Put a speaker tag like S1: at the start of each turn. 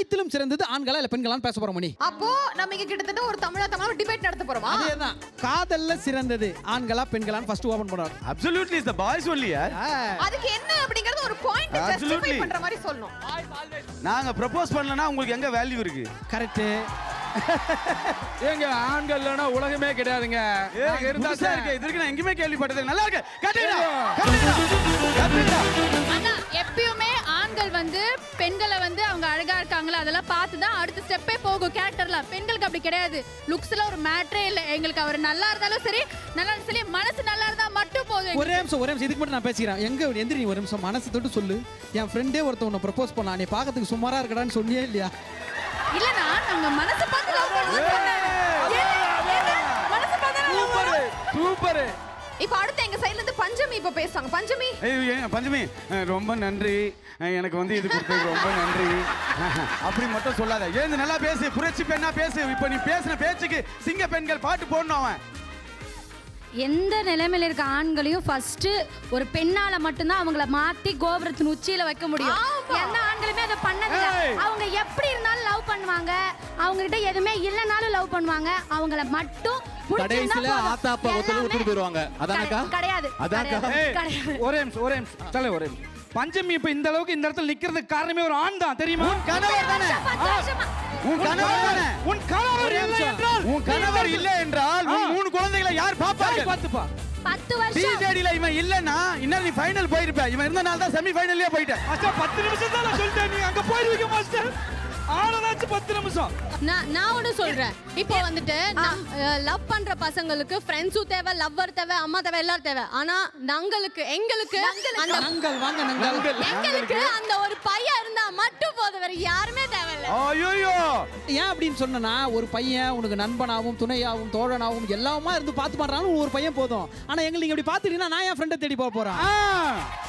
S1: அனைத்திலும் சிறந்தது ஆண்களா இல்ல பெண்களான்னு பேச போறோம் மணி.
S2: அப்போ நம்ம இங்க கிட்டத்தட்ட ஒரு தமிழா டிபேட் நடத்த போறோமா?
S1: அதேதான். காதல்ல சிறந்தது ஆண்களா பெண்களான்னு ஃபர்ஸ்ட் ஓபன் பண்றோம்.
S3: Absolutely is the boys only yaar.
S2: அதுக்கு என்ன அப்படிங்கறது ஒரு பாயிண்ட் ஜஸ்டிஃபை பண்ற மாதிரி சொல்லணும்.
S3: நாங்க ப்ரோபோஸ் பண்ணலனா உங்களுக்கு எங்க வேல்யூ இருக்கு?
S1: கரெக்ட்.
S4: ஏங்க ஆண்கள் இல்லனா உலகமே கிடையாதுங்க.
S3: நாங்க இருந்தா சார் இருக்கு. இதுக்கு நான் எங்கயுமே கேள்விப்பட்டது. நல்லா இருக்கு. கட்டுடா.
S5: ஆனா எப்பயுமே ஆண்கள் வந்து பெண்களை வந்து அவங்க அழகா இருக்காங்களா அதெல்லாம் பார்த்து தான் அடுத்த ஸ்டெப்பே போகும் கேரக்டர்ல. பெண்களுக்கு அப்படி கிடையாது. லுக்ஸ்ல ஒரு மேட்டரே இல்ல. எங்களுக்கு அவர் நல்லா இருந்தாலும் சரி நல்லா இருந்தாலும் சரி மனசு நல்லா இருந்தா மட்டும் போதும்.
S1: ஒரே நிமிஷம் இதுக்கு மட்டும் நான் பேசிக்கிறேன். எங்க எந்திரி நீ ஒரு நிமிஷம் மனசு தொட்டு சொல்லு. என் ஃப்ரெண்டே ஒருத்தன் உன்னை ப்ரப்போஸ் பண்ணா நீ பாக்கிறதுக்கு சுமாரா இருக்கடான்னு சொன்னியே இல்லையா?
S5: இல்லனா நாங்க மனசு பார்த்து லவ் பண்ணுவோம். மனசு பார்த்து
S4: சூப்பர் சூப்பர்.
S2: இப்போ அடுத்து எங்க சைடுல இருந்து பஞ்சமி இப்ப பேசுவாங்க. பஞ்சமி
S3: பஞ்சமி ரொம்ப நன்றி. எனக்கு வந்து இது கொடுத்தது ரொம்ப நன்றி. அப்படி மட்டும் சொல்லாத. ஏந்து நல்லா பேசு. புரட்சி பெண்ணா பேசு. இப்போ நீ பேசின பேச்சுக்கு சிங்க பெண்கள் பாட்டு போடணும். அவன்
S6: எந்த நிலைமையில இருக்க ஆண்களையும் ஃபர்ஸ்ட் ஒரு பெண்ணால மட்டும்தான் அவங்கள மாத்தி கோபுரத்தின் உச்சியில வைக்க முடியும். எந்த ஆண்களுமே அதை பண்ணதில்லை. அவங்க எப்படி இருந்தாலும் லவ் பண்ணுவாங்க. அவங்க கிட்ட எதுவுமே இல்லைனாலும் லவ் பண்ணுவாங்க. அவங்கள மட்டும்
S4: கடைசில ஆத்தா அப்பா ஒருத்தர் விட்டுட்டு போயிடுவாங்க. அதானக்கா?
S6: கிடையாது.
S4: ஒரே நிமிஷம் தலை ஒரே நிமிஷம். பஞ்சமி இப்ப இந்த அளவுக்கு இந்த இடத்துல நிக்கிறதுக்கு காரணமே ஒரு ஆண் தான் தெரியுமா?
S3: கணவர் தானே. உன் கணவர் தானே.
S4: உன் கணவர் இல்லை என்றால்
S3: உன் கணவர் இல்லை என்றால் உன் 3 குழந்தைகளை யார் பாப்பாங்க?
S4: பாத்துப்பா.
S6: 10 வருஷம்
S3: டிஜேடில இவன் இல்லனா இன்னும் நீ ஃபைனல் போயிருப்ப. இவன் இருந்தனால தான் செமி ஃபைனல்லே போயிட்ட.
S4: மாஸ்டர் 10 நிமிஷம் தான் நான் சொல்லிட்டேன். நீ அங்க போயிருவீங்க மாஸ்டர். ஆனதாச்சு 10 நிமிஷம்.
S5: நான் ஒன்னு சொல்றேன். இப்போ வந்துட்டு லவ் பண்ற பசங்களுக்கு ஃப்ரெண்ட்ஸும் தேவை, லவ்வர் தேவை, அம்மா தேவை, எல்லாரும் தேவை. ஆனா எங்களுக்கு அந்த
S1: நங்கள் வாங்க நங்கள்.
S5: எங்களுக்கு அந்த ஒரு பையன் இருந்தா மட்டும் போதும். வேற யாருமே தேவையில்லை.
S3: ஐயோ
S1: ஏன் அப்படின்னு சொன்னா ஒரு பையன் உனக்கு நண்பனாவும் துணையாவும் தோழனாவும் எல்லாமா இருந்து பார்த்து பண்றான்னு ஒரு பையன் போதும். ஆனா எங்களுக்கு நீங்க இப்படி பாத்துட்டீங்கன்னா நான் என் ஃப்ரெண்டை தேடி போக போறேன்.